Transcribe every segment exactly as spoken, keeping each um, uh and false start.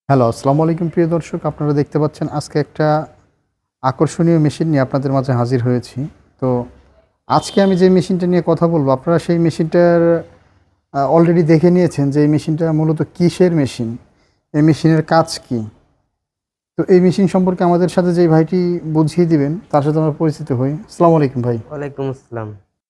Hello, আসসালামু আলাইকুম প্রিয় দর্শক। আপনারা দেখতে পাচ্ছেন আজকে একটা আকর্ষণীয় মেশিন নিয়ে আপনাদের মাঝে হাজির হয়েছি। তো আজকে আমি যে মেশিনটা নিয়ে কথা বলব, আপনারা সেই মেশিনটার আ অলরেডি দেখে নিয়েছেন যে এই মেশিনটা মূলত কিসের মেশিন? এই মেশিনের কাজ কি? তো এই মেশিন সম্পর্কে আমাদের সাথে যেই ভাইটি বুঝিয়ে দিবেন, তার সাথে আমরা পরিচিত হই। আসসালামু আলাইকুম ভাই। ওয়ালাইকুম আসসালাম।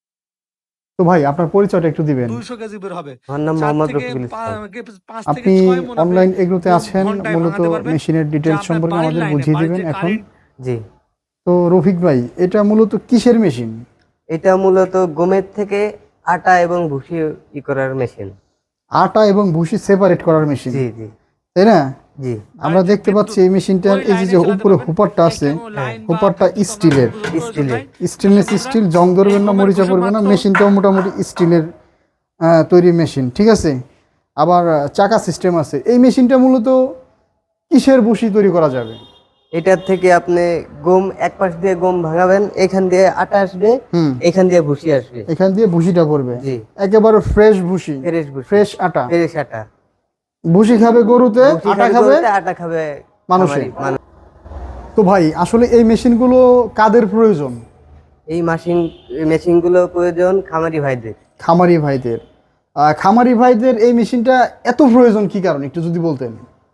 তো ভাই আপনার পরিচয়টা একটু দিবেন। দুইশো কেজি বের হবে। আমার নাম চার মোহাম্মদ থেকে রফিকুল পা ইসলাম। গে পাঁচ থেকে আপনি ছয় মণ আপনি অনলাইন এগুলোতে গম আছেন, ঘন্টায় মূলত ভাঙাতে পারবেন। মেশিনের যা ডিটেইলস আপনার সম্পর্কে বাড়ির আমাদের লাইনে, বুঝিয়ে বাড়ির দিবেন যে এখন। কারেন্ট জি, তো রফিক ভাই, এটা মূলত কিসের মেশিন? এটা মূলত গমের থেকে আটা এবং ভুসি ই করার মেশিন। আটা এবং ভুসি সেপারেট করার মেশিন, জি জি তাই না? জি আমরা বাড়ির যে দেখতে পাচ্ছি বিদ্যুৎ এই মেশিনটার ওই এই যে লাইনে যে চালাতে উপরে পারবেন। হুপারটা আছে, একটা লাইন বা হুপারটা বিদ্যুৎ আপনার স্টিলের। প্রয়োজন প্রয়োজন স্টিলের। নাই। স্টেনলেস তাহলে স্টিল, আমরা জং এই ধরবে না, গমের মরিচা ভুষি পড়বে না। মাত্র মেশিনটাও মোটামুটি স্টিলের আহ, তৈরি মেশিন, ঠিক আছে। আবার আহ, চাকা সিস্টেম আছে। এই মেশিনটা মূলত কিসের ভুসি তৈরি করা যাবে? এটার থেকে আপনি গম এক পাশ দিয়ে গম ভাঙাবেন, এখান দিয়ে আটা আসবে, হুম, এখান দিয়ে ভুসি আসবে। এখান দিয়ে ভুসিটা পড়বে, জি, একেবারে ফ্রেশ ভুসি, ফ্রেশ ভুসি, ফ্রেশ আটা। ফ্রেশ আটা। ভুসি খাবে গরুতে, ভুসি আটা খাবে খাবে গরুতে, আটা খাবে মানুষে। খামারি মানুষ। তো ভাই আসলে এই মেশিনগুলো কাদের প্রয়োজন? এই মেশিন মেশিনগুলো প্রয়োজন খামারি ভাইদের। খামারি ভাইদের। আহ, খামারি ভাইদের এই মেশিনটা এত প্রয়োজন কি কারণ একটু যদি বলতেন।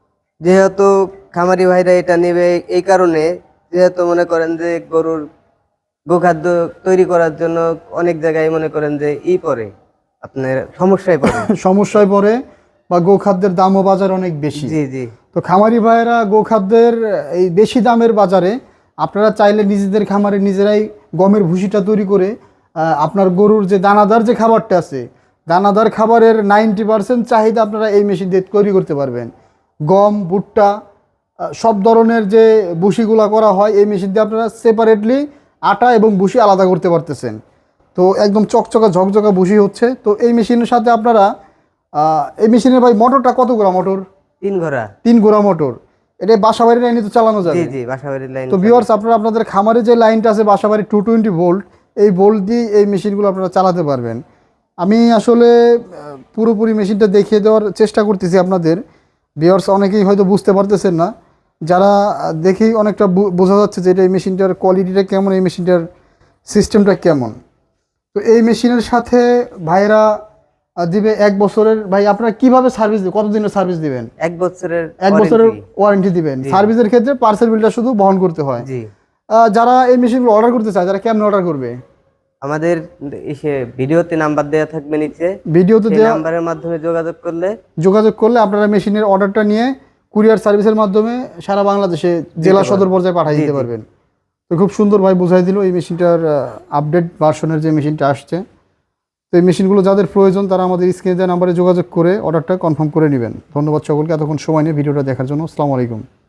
যেহেতু খামারি ভাইরা এটা নেবে এই কারণে, যেহেতু মনে করেন যে গরুর গোখাদ্য তৈরি করার জন্য অনেক জায়গায় মনে করেন যে ই পড়ে, আপনার সমস্যায় পড়ে। সমস্যায় পড়ে, বা গোখাদ্যের দামও বাজার অনেক বেশি। জি জি তো খামারি ভাইয়েরা গোখাদ্যের এই বেশি দামের বাজারে আপনারা চাইলে নিজেদের খামারে নিজেরাই গমের ভুসিটা তৈরি করে আহ, আপনার গরুর যে দানাদার যে খাবারটা আছে, দানাদার খাবারের নাইনটি পার্সেন্ট চাহিদা আপনারা এই মেশিন দিয়ে তৈরি করতে পারবেন। গম, ভুট্টা, আহ, সব ধরনের যে ভুসিগুলা করা হয় এই মেশিন দিয়ে আপনারা সেপারেটলি আটা এবং ভুসি আলাদা করতে পারতেছেন। তো একদম চকচকা ঝকঝকা ভুসি হচ্ছে। তো এই মেশিনের সাথে আপনারা আহ, এই মেশিনের ভাই মোটরটা কত গোড়া মোটর? তিন ঘোড়া। তিন গোড়া মোটর। এটা বাসাবাড়ি লাইনে তো চালানো জি যাবে। জি বাসাবাড়ির লাইন। তো ভিউয়ার্স, আপনারা আপনাদের খামারে যে লাইনটা আছে বাসাবাড়ি টু টোয়েন্টি ভোল্ট, এই ভোল্ট দিয়ে এই মেশিনগুলো আপনারা চালাতে পারবেন। আমি আসলে আহ, পুরোপুরি মেশিনটা দেখিয়ে দেওয়ার চেষ্টা করতেছি আপনাদের। ভিউয়ার্স অনেকেই হয়তো বুঝতে পারতেছেন না, যারা আহ, দেখেই অনেকটা বু- বোঝা যাচ্ছে যে এটা এই মেশিনটার কোয়ালিটিটা কেমন, এই মেশিনটার সিস্টেমটা কেমন। তো এই মেশিনের সাথে ভাইয়েরা আহ, দিবে এক বছরের। ভাই আপনারা কিভাবে সার্ভিস দিবেন, কতদিনের সার্ভিস দিবেন? এক বছরের এক বছরের warranty। ওয়ারেন্টি দিবেন। জি। সার্ভিসের ক্ষেত্রে পার্সেল বিলটা শুধু বহন করতে হয়। জি, আহ, যারা এই মেশিনগুলো অর্ডার করতে চায়, যারা কেমন অর্ডার করবে? আমাদের এসে ভিডিওতে নাম্বার দেওয়া থাকবে নিচে, ভিডিওতে সেই দেওয়া নাম্বারের মাধ্যমে যোগাযোগ করলে যোগাযোগ করলে আপনারা মেশিনের অর্ডারটা নিয়ে কুরিয়ার সার্ভিসের মাধ্যমে সারা বাংলাদেশে জেলা সদর পর্যায়ে পাঠিয়ে জি, দিতে জি। পারবেন। তো খুব সুন্দরভাবে বোঝাই দিল এই মেশিনটার আপডেট ভার্সনের যে মেশিনটা আসছে। তো এই মেশিনগুলো যাদের প্রয়োজন তারা আমাদের স্ক্রিনে দেওয়া নাম্বারে যোগাযোগ করে অর্ডারটা কনফার্ম করে নেবেন। ধন্যবাদ সকলকে এতক্ষণ সময় নিয়ে ভিডিওটা দেখার জন্য। আসসালামু আলাইকুম।